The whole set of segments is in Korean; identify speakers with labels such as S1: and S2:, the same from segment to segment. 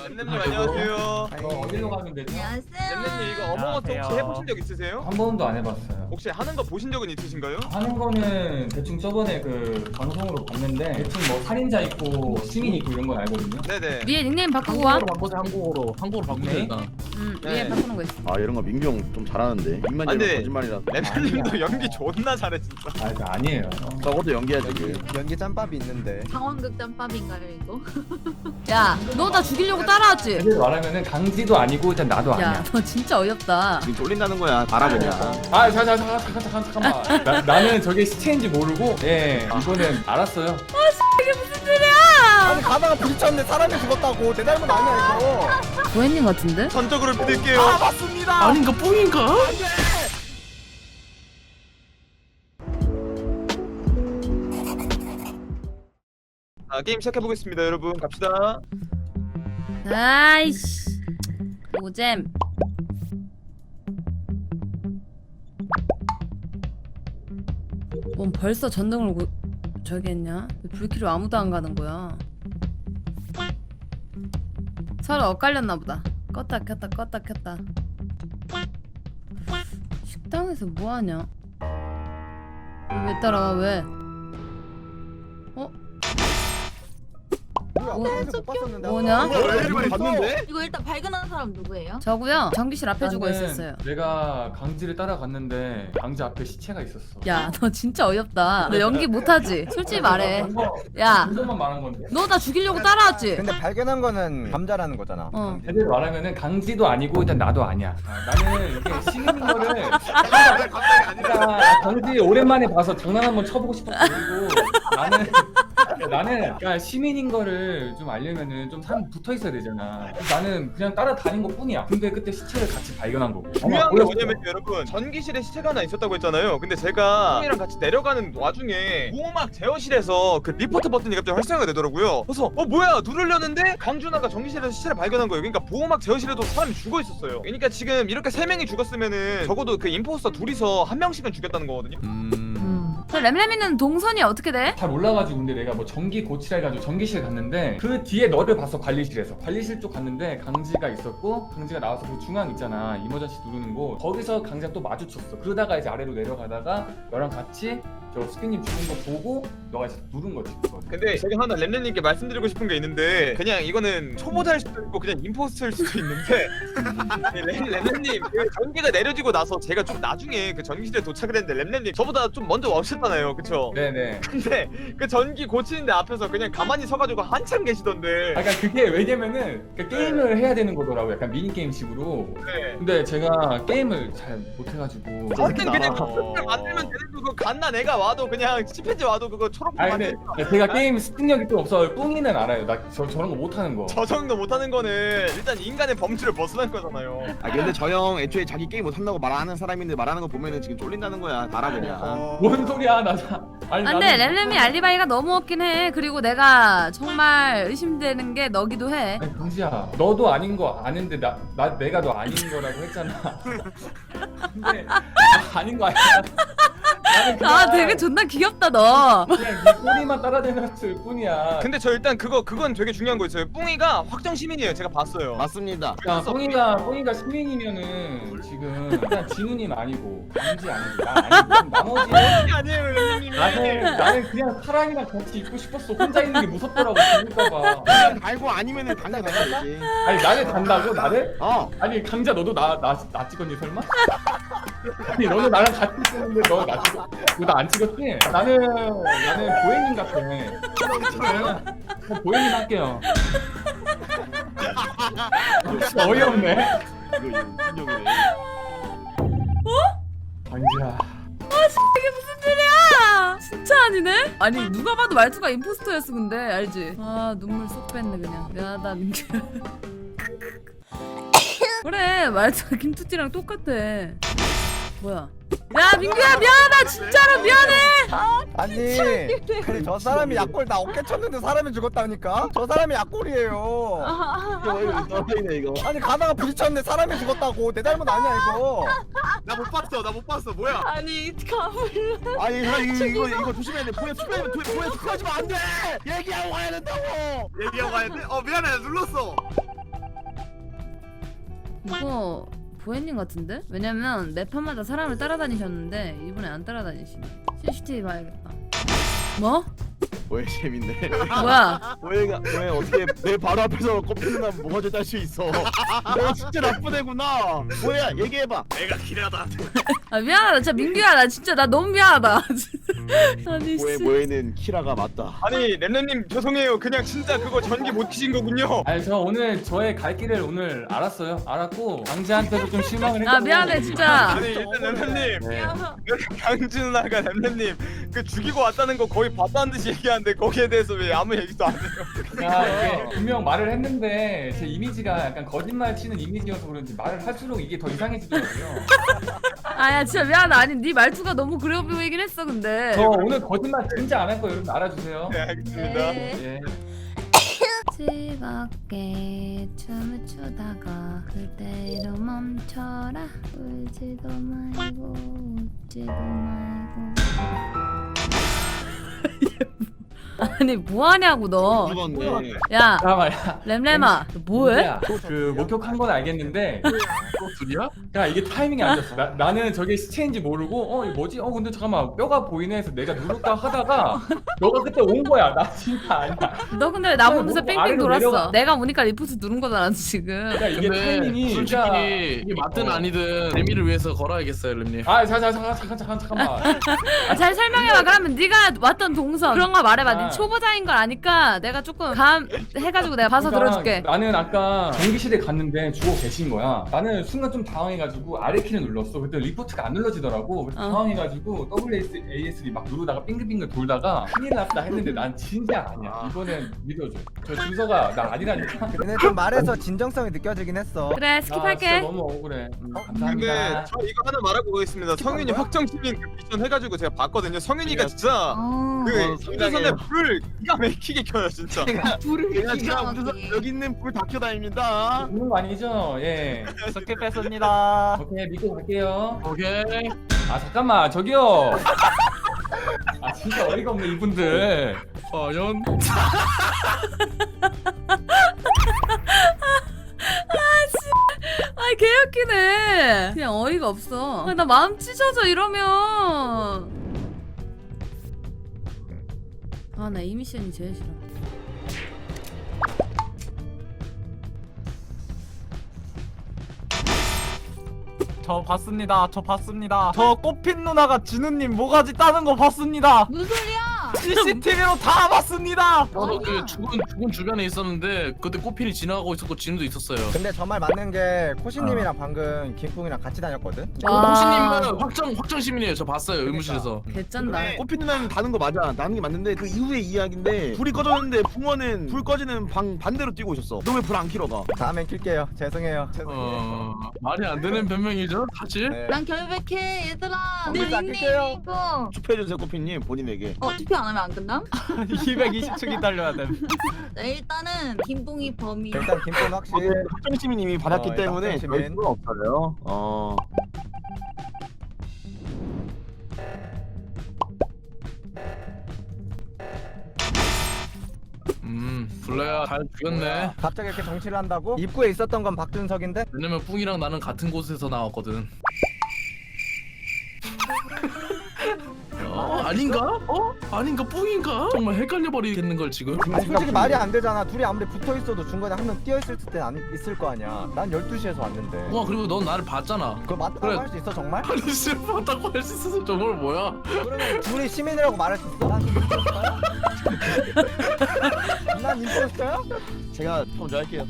S1: 램램님 안녕하세요.
S2: 어디로 가면 되죠?
S1: 램램님 이거 어몽어트 혹시 해보신 적 있으세요?
S2: 한 번도 안 해봤어요.
S1: 혹시 하는 거 보신 적은 있으신가요?
S2: 하는 거는 대충 저번에 그 방송으로 봤는데 대충 뭐 살인자 있고 시민 있고 이런 건 알거든요.
S1: 네네.
S3: 위에 닉네임 바꾸고 와.
S4: 한국어로 바꾸세요 일단.
S1: 네.
S3: 위에 바꾸는 거 있어.
S5: 아 이런 거 민규 형 좀 잘하는데 입만
S1: 아,
S5: 열면
S1: 근데
S5: 거짓말이라.
S1: 램램님도 연기 존나 잘해 진짜.
S2: 아, 그 아니에요.
S5: 저것도 연기야 지금.
S6: 연기 짬밥이 있는데.
S7: 상황극 짬밥인가요 이거?
S3: 야, 너 나 죽이려고 따라왔지?
S2: 제대로 말하면 강지도 아니고 일단 나도 아니야.
S3: 야, 너 진짜 어이없다.
S5: 지금 쫄린다는 거야. 알아보냐.
S2: 아, 잠깐만. 나는 저게 시체인지 모르고, 예, 이거는 알았어요.
S3: 이게 무슨 일이야?
S6: 아니 가다가 부딪혔는데 사람이 죽었다고. 내 닮은 아니야 이거.
S3: 도현님 같은데?
S1: 전적으로 믿을게요.
S6: 맞습니다.
S4: 아닌가 뽕인가?
S1: 자, 게임 시작해 보겠습니다, 여러분. 갑시다.
S3: 아이씨. 오잼. 뭔 벌써 전등을 저기 했냐? 왜 불키로 아무도 안 가는 거야? 서로 엇갈렸나 보다. 껐다 켰다 껐다 켰다. 식당에서 뭐 하냐? 왜 따라와 왜? 어?
S6: 뭐야?
S3: 뭐-
S6: 빨간색 못 봤었는데.
S3: 뭐냐?
S1: 왜 이렇게 봤는데?
S7: 이거 일단 발견한 사람 누구예요?
S3: 저구요. 전기실 앞에 주고
S2: 일단은
S3: 있었어요.
S2: 내가 강지를 따라갔는데 강지 앞에 시체가 있었어.
S3: 야, 너 진짜 어이없다. 너 연기 못하지? 솔직히 말해. 야,
S2: 이것만 말한 건데.
S3: 너 나 죽이려고 따라왔지?
S6: 근데 발견한 거는 감자라는 거잖아.
S3: 어.
S2: 제대로 말하면은 강지도 아니고 일단 나도 아니야. 나는 이게 시민인 거를
S1: 갑자기 아니라.
S2: 그러니까 강지 오랜만에 봐서 장난 한번 쳐보고 싶었고 그리고 나는 그러니까 시민인 거를 좀 알려면은 좀 사람 붙어 있어야 되잖아. 나는 그냥 따라다닌 것 뿐이야. 근데 그때 시체를 같이 발견한 거고.
S1: 중요한 게 뭐냐면 여러분 전기실에 시체가 하나 있었다고 했잖아요. 근데 제가 형이랑 같이 내려가는 와중에 보호막 제어실에서 그 리포트 버튼이 갑자기 활성화가 되더라고요. 그래서 뭐야 누르려는데 강준하가 전기실에서 시체를 발견한 거예요. 그러니까 보호막 제어실에도 사람이 죽어 있었어요. 그러니까 지금 이렇게 3명이 죽었으면은 적어도 그 임포스터 둘이서 한 명씩은 죽였다는 거거든요.
S3: 그 램램이는 동선이 어떻게 돼?
S2: 잘 몰라가지고 근데 내가 뭐 전기 고치라 해가지고 전기실 갔는데 그 뒤에 너를 봤어. 관리실에서 관리실 쪽 갔는데 강지가 있었고 강지가 나와서 그 중앙 있잖아 이머전시 누르는 곳 거기서 강지가 또 마주쳤어. 그러다가 이제 아래로 내려가다가 너랑 같이 저 스피님 죽은 거 보고 너가 이제 누른 거지 그거.
S1: 근데 제가 하나 램램님께 말씀드리고 싶은 게 있는데 그냥 이거는 초보자일 수도 있고 그냥 임포스터일 수도 있는데 램램님 그 전기가 내려지고 나서 제가 좀 나중에 그 전기실에 도착을 했는데 램램님 저보다 좀 먼저 오셨잖아요 그쵸?
S2: 네네.
S1: 근데 그 전기 고치는데 앞에서 그냥 가만히 서가지고 한참 계시던데
S2: 아, 그러니까 그게 왜냐면은 그 게임을 해야 되는 거더라고. 약간 미니 게임식으로.
S1: 네.
S2: 근데 제가 게임을 잘 못해가지고.
S1: 어쨌든 그냥 컴퓨터를 만들면 되는 거고 갓나 내가 와도 그냥 치펜지 와도 그거 초록색
S2: 아니 근데
S1: 만들면
S2: 제가 게임 습득력이 좀 없어. 뿡이는 알아요. 나 저런 거 못하는 거.
S1: 저 정도 못하는 거는 일단 인간의 범주를 벗어난 거잖아요.
S5: 아 근데 저 형 애초에 자기 게임 못한다고 말하는 사람인데 말하는 거 보면은 지금 쫄린다는 거야. 알아보냐.
S2: 뭔 소리야 나. 아니
S3: 안돼,
S2: 나는-
S3: 램램이 알리바이가 너무 없긴 해. 그리고 내가 정말 의심되는 게 너기도 해.
S2: 아니 강지야 너도 아닌 거 아는데 내가 너 아닌 거라고 했잖아. 근데 아닌 거 아니야. 나는 그냥
S3: 아, 되게 존나 귀엽다 너.
S2: 그냥 네 꼬리만 따라다녔을 뿐이야.
S1: 근데 저 일단 그건 되게 중요한 거 있어요. 뿡이가 확정 시민이에요. 제가 봤어요.
S5: 맞습니다.
S2: 야, 뽕이가 시민이면은 지금 그냥 진우님 아니고 강지 아니고 나 아니고 나머지
S1: 아니에요, 램램님이.
S2: 나는 그냥 사람이랑 같이 있고 싶었어. 혼자 있는 게 무섭더라고 죽을까봐.
S5: 그냥 달고 아니면은 당장 달아야지.
S2: 아니 나를 단다고 나를?
S5: 어.
S2: 아니 강자 너도 나 찍었니 설마? 아니 너는 나랑 같이 있었는데 너 나 찍었? 너 나 안 찍었지? 나는 보혜님 같아. 저는 보혜님 할게요. 어이없네.
S5: 이거 인정이네.
S2: 강지야.
S3: 이게 무슨 일이야? 진짜 아니네? 아니 누가 봐도 말투가 임포스터였어 근데 알지? 아 눈물 쏙 뺐네 그냥. 미안하다 민규. 그래 말투가 김투띠랑 똑같아. 뭐야? 야 민규야 미안하다 진짜로 미안해.
S6: 아니 저 사람이 약골 나 어깨 쳤는데 사람이 죽었다니까? 저 사람이 약골이에요.
S5: 이거 너희네 이거.
S6: 아니 가다가 부딪혔는데 사람이 죽었다고. 내 닮은 아니야 이거.
S1: 나 못 봤어. 뭐야?
S7: 아니 가물러.
S5: 아니 이거 조심해야 돼. 보여 축하하지 마 안 돼. 얘기하고 가야 된다고.
S1: 얘기하고 가야 돼? 미안해. 눌렀어.
S3: 이거 보혜님 같은데? 왜냐면 매판마다 사람을 따라다니셨는데 이번에 안 따라다니시네. CCTV 봐야겠다. 뭐?
S5: 왜 재밌네.
S3: 뭐야?
S5: 왜 어떻게 내 바로 앞에서 꼽히는 날 뭐가 더 딸 수 있어? 내가 진짜 나쁜 애구나. 뭐야 얘기해봐. 내가 기라다.
S3: 아 미안하다 진짜 민규야 나 진짜 나 너무 미안하다. 아니 씨.
S5: 뭐에는 키라가 맞다.
S1: 아니 렘렘님 죄송해요. 그냥 진짜 그거 전기 못 키신 거군요.
S2: 아니 저 오늘 저의 갈 길을 오늘 알았어요. 알았고 강지한테도 좀 실망을 했고.
S3: 아 미안해 진짜.
S1: 아니 일단 렘렘님
S2: 네.
S1: 강주 누나가 렘렘님 그 죽이고 왔다는 거 거의 봤다는 듯이 얘기하는데 거기에 대해서 왜 아무 얘기도 안 해요?
S2: 야 이게 분명 말을 했는데 제 이미지가 약간 거짓말 치는 이미지여서 그런지 말을 할수록 이게 더 이상해지더라고요.
S3: 아야 진짜 미안하다. 아니 네 말투가 너무 그려 보이긴 했어 근데.
S2: 저 오늘 거짓말 진짜 안 할 거예요. 여러분 알아주세요.
S1: 네 알겠습니다.
S2: 예.
S3: 즐겁게 춤을 추다가 그대로 멈춰라. 울지도 말고 웃지도 말고. 아니 뭐하냐고 너.
S5: 죽었네.
S3: 야
S2: 잠깐만요.
S3: 램램아 너 뭐해?
S2: 그 목격한 건 알겠는데
S4: 또 둘이야?
S2: 야 이게 타이밍이 안 좋았어. 나는 저게 시체인지 모르고 이거 뭐지? 근데 잠깐만 뼈가 보이네 해서 내가 누를까 하다가 너가 그때 온 거야. 나 진짜 아니야.
S3: 너 근데 나 보면서
S2: 뭐
S3: 뺑뺑
S2: 아래로
S3: 돌았어.
S2: 내려가.
S3: 내가 오니까 리포트 누른 거잖아 지금.
S2: 야 이게 타이밍이 진짜.
S4: 솔직히 이게 맞든 아니든 재미를 위해서 걸어야겠어요, 렘님.
S2: 잠깐만.
S3: 아, 잘 설명해봐. 그러면 네가 왔던 동선 그런 거 말해봐. 네
S2: 아.
S3: 초보자인 걸 아니까 내가 조금 감 해가지고 내가 봐서
S2: 그러니까
S3: 들어줄게.
S2: 나는 아까 전기실에 갔는데 죽어 계신 거야. 나는 순간 좀 당황해가지고 아래 키를 눌렀어. 그때 리포트가 안 눌러지더라고. 그래서 당황해가지고 WASD 막 누르다가 빙글빙글 돌다가 큰일 났다 했는데 난 진짜 아니야. 이번엔 믿어줘. 저 준서가 나 아니라니까.
S6: 근데 좀 말해서 진정성이 느껴지긴 했어.
S3: 그래
S2: 나 진짜
S3: 스킵할게.
S2: 너무 억울해.
S1: 근데
S2: 감사합니다.
S1: 저 이거 하나 말하고 가겠습니다. 성윤이
S6: 뭐야?
S1: 확정 시민 그 미션 해가지고 제가 봤거든요. 성윤이가 진짜
S7: 어.
S1: 그 상대선에 불을 기가 막히게 켜요 진짜.
S7: 불을
S5: 제가
S7: 기가
S5: 무슨
S7: 막히게.
S5: 여기 있는 불 다 켜다닙니다.
S2: 죽는 거 아니죠? 예.
S6: 스킵 뺐습니다.
S2: 오케이 믿고 갈게요.
S4: 오케이.
S2: 아 잠깐만 저기요. 아 진짜 어이가 없네 이분들.
S4: 과연
S3: 아이 개웃기네. 그냥 어이가 없어. 아, 나 마음 찢어져 이러면. 아 나 이 미션이 제일 싫어.
S6: 저 봤습니다. 저 봤습니다. 저 꽃핀 누나가 진우님 모가지 따는 거 봤습니다.
S7: 무슨 소리야?
S6: CCTV로 다 봤습니다.
S4: 저도 그
S7: 아니야.
S4: 죽은 주변에 있었는데 그때 꽃핀이 지나가고 있었고 진우도 있었어요.
S6: 근데 정말 맞는 게 코시님이랑 방금 김풍이랑 같이 다녔거든.
S3: 와.
S4: 호시님은 확정 시민이에요. 저 봤어요 의무실에서.
S3: 개쩐다.
S5: 근데 꽃피 누나는 다는 거 맞아. 나는 게 맞는데 그 이후의 이야기인데 불이 꺼졌는데 붕어는 불 꺼지는 방 반대로 뛰고 있었어. 너 왜 불 안 켜러 가?
S6: 다음엔 킬게요. 죄송해요.
S4: 말이 안 되는 변명이죠, 사실.
S6: 네.
S7: 난 결백해 얘들아. 내
S6: 일단
S7: 닉네임
S6: 킬게요.
S7: 이거.
S5: 투표해주세요 꽃피님 본인에게.
S7: 투표 안 하면 안 끝남?
S6: 220초 기다려야 돼.
S7: 네, 일단은 김봉이 범인.
S6: 일단 김풍 확실히.
S5: 확정 시민님이 받았기
S6: 일단
S5: 때문에
S6: 확정
S5: 저희
S6: 시민.
S5: 수가 없어요.
S4: 블레야 잘 죽였네.
S6: 갑자기 이렇게 정치를 한다고? 입구에 있었던 건 박준석인데?
S4: 왜냐면 뿡이랑 나는 같은 곳에서 나왔거든. 아닌가? 아닌가? 뿡인가? 정말 헷갈려버리겠는 걸 지금.
S6: 아니, 솔직히 말이 안 되잖아. 둘이 아무리 붙어 있어도 중간에 한 명 뛰어 있을 때 안 있을 거 아니야. 난 12시에서 왔는데.
S4: 와 그리고 넌 나를 봤잖아.
S6: 그거 맞다고
S4: 그래.
S6: 할 수 있어 정말?
S4: 아니 실패하다고 할 수 있어서 정말 뭐야?
S6: 그러면 둘이 시민이라고 말할 수 있어? 난 임포스터야? 난 임포스터야?
S5: 제가 먼저 할게요.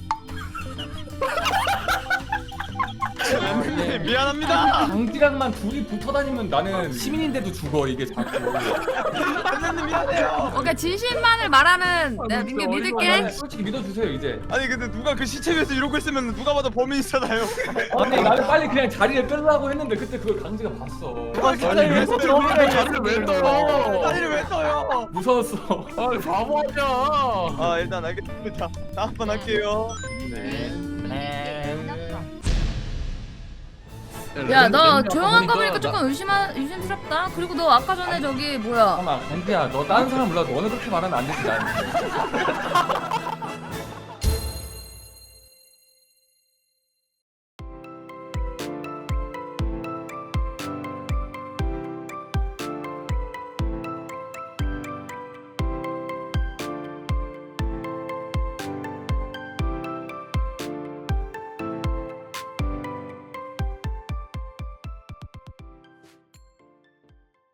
S1: 렘렘님 미안합니다.
S2: 강지랑만 둘이 붙어 다니면 나는 시민인데도 죽어 이게 자꾸.
S1: 렘렘님 미안해요.
S3: 오케이 진실만을 말하는 내가 민규 믿을게.
S2: 솔직히 믿어주세요 이제.
S1: 아니 근데 누가 그 시체 위에서 이러고 있으면 누가 봐도 범인이잖아요.
S2: 아니 나는 빨리 그냥 자리를 끌라고 했는데 그때 그걸 강지가 봤어.
S1: 누가 시체 위에서 이러고
S4: 자리를 왜 떠?
S1: 자리를 왜 떠요?
S2: 무서웠어.
S4: 아니 바보 아니야.
S1: 아 일단 알겠습니다. 다음 번 할게요.
S3: 야 너 조용한 거 보니까 조금 의심스럽다. 그리고 너 아까 전에 저기 뭐야?
S2: 잠깐만 강지야 너 다른 사람 몰라도 너는 그렇게 말하면 안 되지 난.